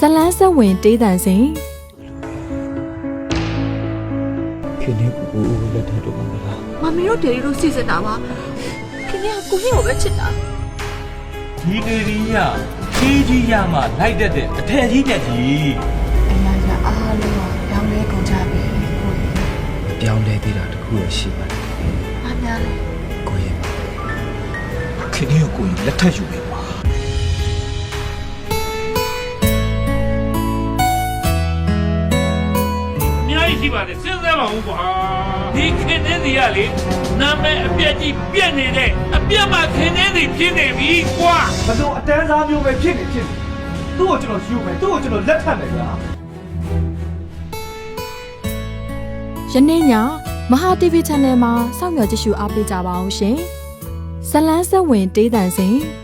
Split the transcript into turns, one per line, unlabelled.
လန်းဆက်ဝင်တေးတန်စဉ်
ခင်ဗျကိုလက်ထပ်တော့မှာလား
မမီတို့ဒေရီတို့စီစဉ်တာပါခင်ဗျာကိုကြီးကိုပဲချစ်တာ
ဒီနေရီးရကြီးရမှလိုက်တတ်တဲ့အထက်ကြီးတက်ကြီး
အရာရာအားလုံးကပြောင်းလဲကုန်ကြပြီကိုကြီး
ပြောင်းလဲသေးတာတခုရရှိပါတယ်
။အားများလေ
ကိုရင်ခင်ဗျကိုရင်လက်ထပ်ယူပြီပါ
အများကြီးရှိပါတယ်စဉ်းစားပါဦးကွာဒီခင်နေစီကလေနာမည်အပြက်ကြီးပြက်နေတဲ့အပြက်မှခင်နေစီဖြစ်နေပြီကွာ
ဘယ်လိုအတန်းစားမျိုးပဲဖြစ်နေသူ့ကိုကျွန်တော်ယူမယ်သူ့ကိုကျွန်တော်လက်ထပ်မယ်ဗျာ
ယနေ့ညမဟာ TV Channel မှာစောင့်မျှော်ကြည့်ရှုအားပေးကြပါအောင်ရှင်ဇလန်းဆက်ဝင်တေးတန်စဉ်